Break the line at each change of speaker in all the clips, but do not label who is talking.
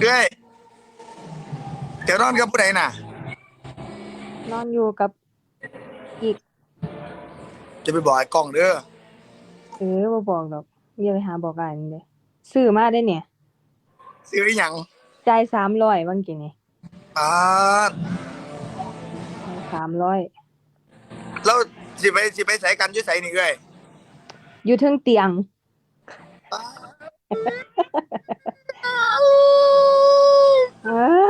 เอ้ยเดี๋ยวนอนกับผู้ใดน่ะ
นอนอยู่กับอีก
จะไปบอกไอ้กล้องเด้อ
บ่บอกดอกอย่าไปหาบอกอ้ายนั่นเด้ซื้อมาได้เนี่ย
ซื้ออหยัง
จ่าย300บางกี้นี่
อ่า
300
แล้วสิไปใส่กันอยู่ไสนี่เอ้ย
อยู่เทิงเตียงเออ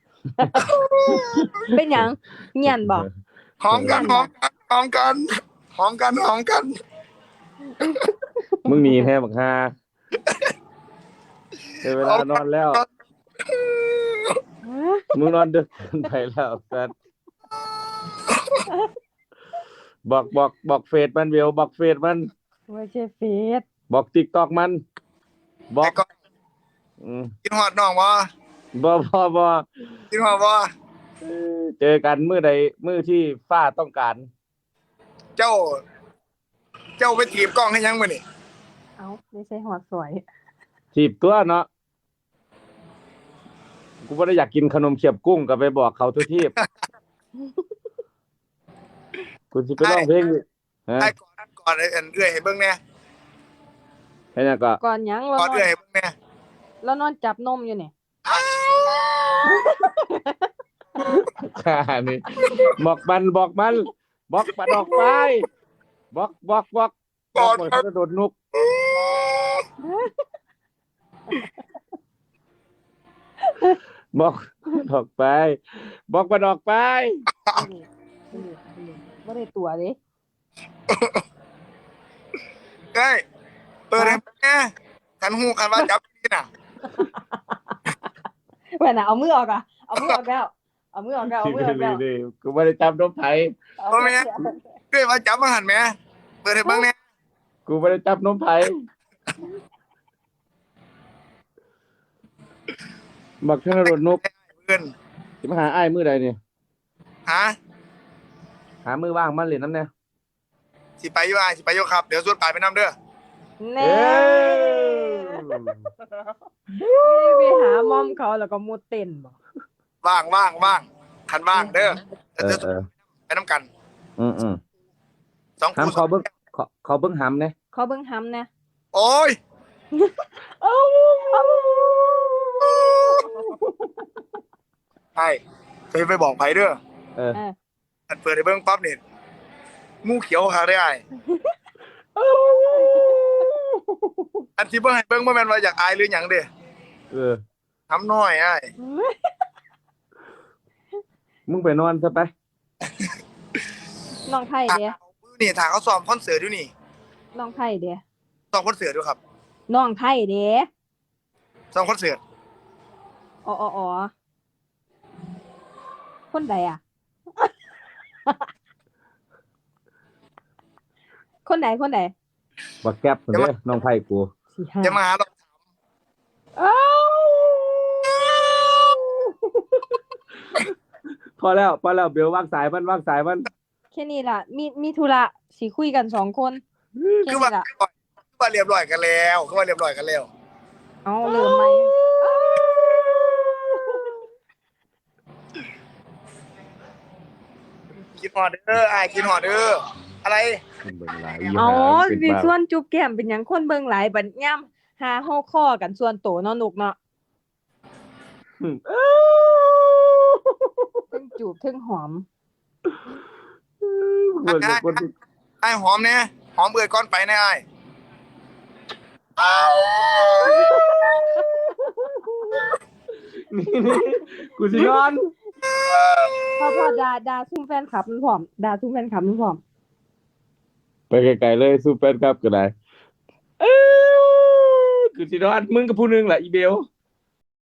เป็นหยังเงียนบ่
หอมกันหอมกันหอมกันหอมกันหอมกัน
มึงหนีแท้บักฮาเวลานอนแล้วมึงนอนดึกเกินไปแล้วกันบอกเฟซมันเวลบอกเฟซมัน
ไม่ใช่เฟซ
บอก TikTok มันบอก
ไอ้กล้องกินฮอดน้องบ่
บ่
กินฮอดบ่
เจอกันมื้อใดมื้อที่ฟ้าต้องการ
เจ้าไปถีบกล้องให้ยังมื้อนี่
เอ้าไม่ใช่ฮอดสวย
ถีบตัวเนาะกูบ่ได้อยากกินขนมเขียบกุ้งก็ไปบอกเขาทุกทีบกูสิไปร้องเพลงฮะ
ไอ้ก่อนไอ้เอื้อยให้เบิ่งแหน่
ให้หยังก็
ก่อนหยัง
ก่อนเอื้อยให้เบิ่งแหน่
แล้วนอนจับนมอยู่นี่
นี่บอกมันบอกปะดอกไปบอกมันจะโดดนุกบอกดอกไปบอกปะดอกไป
บ่ได้ตัวเด้
เอ้ยเปิดให้เบิ่งแหน่คันฮู้คันว่าจับนี่น่ะ
แม่น่ะเอามือออกอ่ะเอามือออกแล้ว
กูบ่ได้จับนมไผ
บ่แม่นเอ้ยว่าจับมาหั่นแหมเปิดให้เบิ่งแหน่
กูบ่ได้จับนมไผบักธนดลนุก
เพิ่น
สิมาหาอ้ายมื้อใดนี่
ฮะ
หามื้อว่างมาเล่นนำแน่
สิไปอยู่อ้ายสิไปอยู่ครับเดี๋ยวส่วนปลายไปนำเด้อ
แน่ไปหามอมเขาแล้วก็มุดเต้นบ่
ว่างคันว่างเด้อไปนำกัน2
หำ
คู่
เขาเบิ่งหำแน่
ขอเบิ่งหำแน่
โอ้ยไปบอกไผเด้ออันเปิดให้เบิ่งปั๊บนี่งูเขียวหาได้อ้ายอันที่เบิ่งให้เบิ่งบ่แม่นว่าอยากอายหรือหยังเด้ทำน้อยอ้าย
มึงไปนอนซะไป
น้องไผเด้
นี่ถ้าเขาซ้อมคอนเสิร์ตอยู่นี่
น้องไผเด้
ซ้อมคอนเสิร์ตอยู่ครับ
น้องไผเด้
ซ้อมคอนเสิร์ต
อ๋อคนใดอ่ะคนไหน
บักแก๊บเด้อน้องไผกู
จะมาหาเรา
พอแล้วเบลวางสายมัน
แค่นี้ล่ะมีธุระสิคุยกัน2คน
คือว่าเรียบร้อยกันแล้วเ
อ้าเริ่มใหม่
กินฮอดเด้ออ้ายกินฮอดเด้ออะไร
อ๋อสิส่วนจุ๊บแก้มเป็นหยังคนเบิ่งหลายบัดยามหาฮอกคอกันส่วนโตเนาะนุกเนาะเพิ่งจูบเพิ่งหอม
ไอ้หอมเนี่ยหอมเบื่อก้อนไปแน่ไอ้
นี่กูสินอน
พอด่าซุ่มแฟนคลับมันพร้อม
ไปไกลๆเลยสู้แฟนคลับก็ได้กูสินอนมึงกับผู้นึงแหละอีเบล